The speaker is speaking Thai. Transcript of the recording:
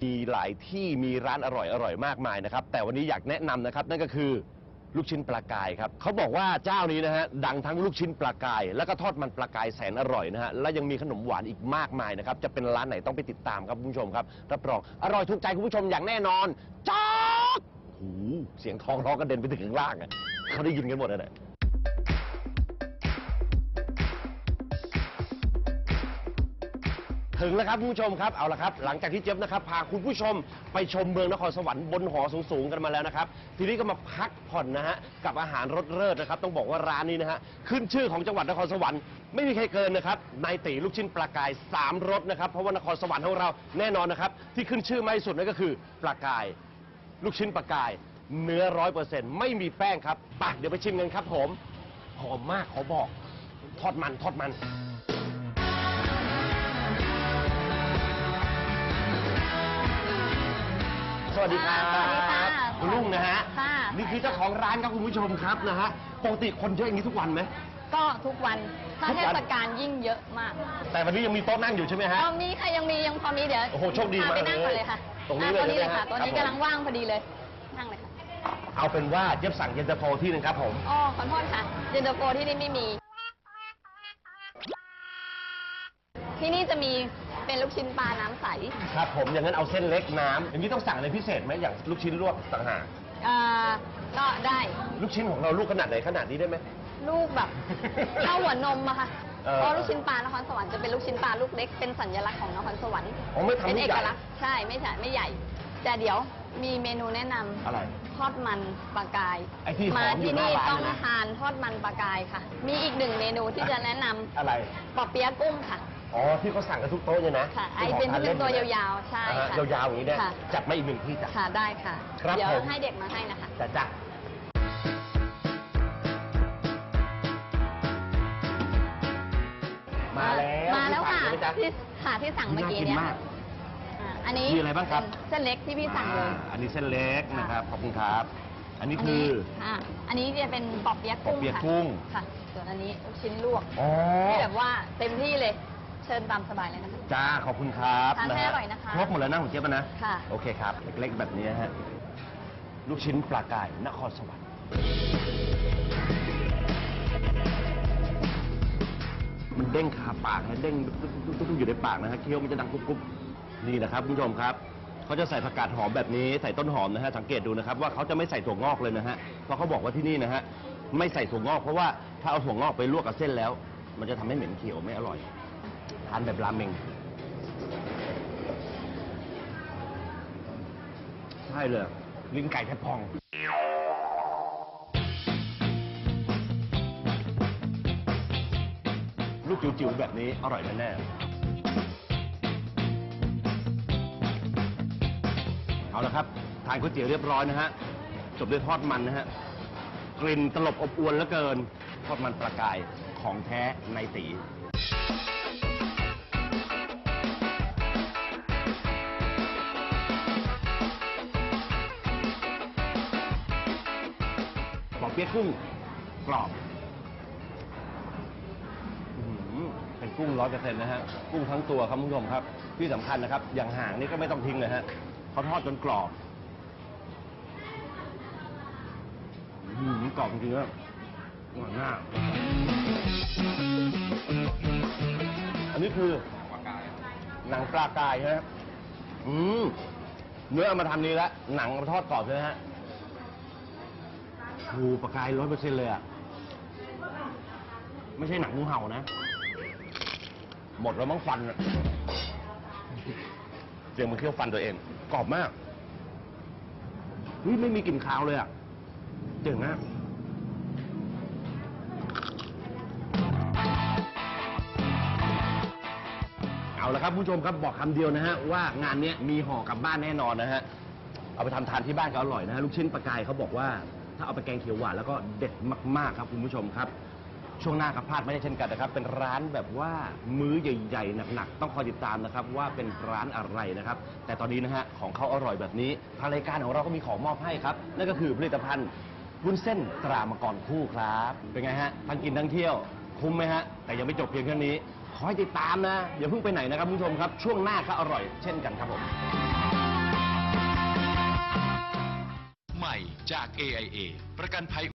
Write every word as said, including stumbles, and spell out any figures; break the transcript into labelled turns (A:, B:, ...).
A: มีหลายที่มีร้านอร่อยอร่อยมากมายนะครับแต่วันนี้อยากแนะนำนะครับนั่นก็คือลูกชิ้นปลากายครับเขาบอกว่าเจ้านี้นะฮะดังทั้งลูกชิ้นปลากายแล้วก็ทอดมันปลากายแสนอร่อยนะฮะและยังมีขนมหวานอีกมากมายนะครับจะเป็นร้านไหนต้องไปติดตามครับคุณผู้ชมครับรับรองอร่อยถูกใจคุณผู้ชมอย่างแน่นอนจ๊อกหูเสียงทองร้องกระเด็นไปถึงข้างล่างอ่ะเขาได้ยินกันหมดเลยถึงแล้วครับคุณผู้ชมครับเอาละครับหลังจากที่เจี๊ยบนะครับพาคุณผู้ชมไปชมเมืองนครสวรรค์บนหอสูงๆกันมาแล้วนะครับทีนี้ก็มาพักผ่อนนะฮะกับอาหารรสเลิศนะครับต้องบอกว่าร้านนี้นะฮะขึ้นชื่อของจังหวัดนครสวรรค์ไม่มีใครเกินนะครับนายตีลูกชิ้นปลากายสามรสนะครับเพราะว่านครสวรรค์ของเราแน่นอนนะครับที่ขึ้นชื่อมากที่สุดนั่นก็คือปลากายลูกชิ้นปลากายเนื้อร้อยเปอร์เซ็นต์ไม่มีแป้งครับไปเดี๋ยวไปชิมกันครับผมหอมมากขอบอกทอดมันทอดมันสวัสดีครับ
B: สวัสดีค่ะ
A: คุณลุงนะฮะ
B: ค่ะ
A: นี่คือเจ้าของร้านครับคุณผู้ชมครับนะฮะปกติคนเยอะอย่างนี้ทุกวันไหม
B: ก็ทุกวันถ้า
A: ทุก
B: เท
A: วัน
B: ศกาลยิ่งเยอะมาก
A: แต่วันนี้ยังมีโต๊ะนั่งอยู่ใช่ไหมฮะ
B: ตอนนี้ค่ะยังมียังพอมีเดี๋ยว
A: โอ้โหโชคดีมาก
B: พไปนั่งก่อน
A: เลย
B: เลยค่ะ
A: ตรงนี้เลย
B: อ่ะตรงนี้เลย
A: ใช่ไหม
B: ค่ะ
A: ฮะ
B: ตัวนี้
A: ครับผม
B: กำลังว่างพอดีเลยนั่งเลยค่ะ
A: เอาเป็นว่าเจี๊ยบสั่งเย็นตาโฟที่หนึงครับผม
B: อ๋อขอโทษค่ะเย็นตาโฟที่นี่ไม่มี ที่นี่จะมีเป็นลูกชิ้นปลาน้ำใส
A: ครับผมอย่างนั้นเอาเส้นเล็กน้ำอย่างนี้ต้องสั่งอะไรพิเศษไหมอย่างลูกชิ้นลวกต่างหาก
B: อ่าก็ได้
A: ลูกชิ้นของเราลูกขนาดไหนขนาดนี้ได้ไหม
B: ลูกแบบเท่าหัวนมอะค่ะ
A: เออ
B: เพราะลูกชิ้นปลานครสวรรค์จะเป็นลูกชิ้นปลาลูกเล็กเป็นสัญลักษณ์ของนครสวรรค์
A: อ๋อไม่ทำ
B: เป็น
A: ลูก
B: เอ
A: ใหญ่
B: กลักษณ์ใช่ไม่ใช่ไม่ใหญ่ แต่เดี๋ยวมีเมนูแนะนำ
A: อะไร
B: ทอดมันปลากาย
A: ไอ้ที่หอม
B: มา
A: อยู่
B: ที่
A: หน้า
B: นี่
A: ร้าน
B: ต้อง
A: เลยนะ
B: ทานทอดมันปลากายค่ะ มีอีกหนึ่งเมนูที่จะแนะนำ
A: อะไร
B: ปอเปี๊ยะกุ้งค่ะ
A: อ๋อที่เขาสั่งกันทุกโต๊ะเนี่ยนะ
B: ค่ะไอเป็นที่เป็นตัวยาวๆใช่
A: อ่าฮะ
B: ค่ะ
A: ยาวๆอย่างนี้เนี่ย
B: ค่ะ
A: จัดมาอีกหนึ่งที่จ้ะ
B: ค่ะได้ค่ะ
A: ครับ
B: เดี๋ยว
A: ผม
B: ให้เด็กมาให้นะคะ
A: จ้ะจ้ะมาแล้ว
B: มาแล้วค่ะ
A: ที่สั่งใช่ไหมจ๊ะ
B: ที่ค่ะที่สั่งเมื่อกี้เนี่ย
A: น่ากินมาก
B: อ่าอันนี้
A: มีอะไรบ้างครับ
B: เป็นเส้นเล็กที่พี่สั่งเลย
A: อ่าอันนี้เส้นเล็กนะครับ ขอบคุณครับ อันนี้คือ
B: อ่าอันนี้จะเป็นปอเปี๊ยะกุ้ง
A: ปอเปี๊ยะ
B: ค่ะ
A: กุ้ง
B: ค่ะ ส่วนอันนี้ลูกชิ้นลวก
A: อ๋อ
B: ที่แบบว่าเต็มที่เลย เชิญตามสบายเลยนะคะ
A: จ้า ขอบคุณครับ
B: ทานให้
A: ฮ
B: อร่อยนะคะ
A: ครบหมดแล้วนะของเจี๊ยบนะ
B: ค่ะ
A: โอเคครับ เล็กๆแบบนี้ฮะ ลูกชิ้นปลากายนครสวรรค์มันเด้งคาปากนะเด้งตุ๊บๆอยู่ในปากนะฮะเคี้ยวมันจะดังกรุบๆนี่นะครับคุณผู้ชมครับเขาจะใส่ผักกาดหอมแบบนี้ใส่ต้นหอมนะฮะสังเกตดูนะครับว่าเขาจะไม่ใส่ถั่วงอกเลยนะฮะเพราะเขาบอกว่าที่นี่นะฮะไม่ใส่ถั่วงอกเพราะว่าถ้าเอาถั่วงอกไปลวกกับเส้นแล้ว มันจะทำให้เหม็นเขียวไม่อร่อยทานแบบราเมงใช่เลยลิ้นไก่แทบพองลูกจิ๋วๆแบบนี้อร่อยแน่ๆเอาละครับทานก๋วยเตี๋ยวเรียบร้อยนะฮะจบด้วยทอดมันนะฮะกลิ่นตลบอบอวนเหลือเกินทอดมันปลากายของแท้ในตีปอเปี๊ยะกุ้งกรอบอื้อหือเป็นกุ้งร้อยเปอร์เซ็นต์นะฮะกุ้งทั้งตัวครับคุณผู้ชมครับที่สำคัญนะครับอย่างหางนี่ก็ไม่ต้องทิ้งเลยฮะเขาทอดจนกรอบอื้อหือกรอบจริงๆครับอร่อยมากอันนี้คือหนังปลากายใช่ไหมครับอืมเนื้อเอามาทำนี้แล้วหนังเอามาทอดกรอบใช่ไหมฮะโอ้ปลากายร้อยเปอร์เซ็นต์เลยอ่ะไม่ใช่หนังงูเห่านะหมดแล้วมั้งฟันอะเดี๋ยวมันเคี้ยวฟันตัวเองกรอบมากเฮ้ยไม่มีกลิ่นคาวเลยอ่ะเจ๋งมากเอาละครับผู้ชมครับบอกคำเดียวนะฮะว่างานนี้มีห่อกลับบ้านแน่นอนนะฮะเอาไปทำทานที่บ้านก็อร่อยนะฮะลูกชิ้นปลากายเขาบอกว่าถ้าเอาไปแกงเขียวหวานแล้วก็เด็ดมากๆครับคุณผู้ชมครับช่วงหน้าครับพลาดไม่ได้เช่นกันนะครับเป็นร้านแบบว่ามื้อใหญ่ๆหนักๆต้องคอยติดตามนะครับว่าเป็นร้านอะไรนะครับแต่ตอนนี้นะฮะของเขาอร่อยแบบนี้ทางรายการของเราก็มีของมอบให้ครับนั่นก็คือผลิตภัณฑ์วุ้นเส้นตรามังกรคู่ครับเป็นไงฮะทั้งกินทั้งเที่ยวคุ้มไหมฮะแต่ยังไม่จบเพียงแค่นี้ขอให้ติดตามนะอย่าเพิ่งไปไหนนะครับคุณผู้ชมครับช่วงหน้าก็อร่อยเช่นกันครับผม
C: จาก เอ ไอ เอ ประกันภัย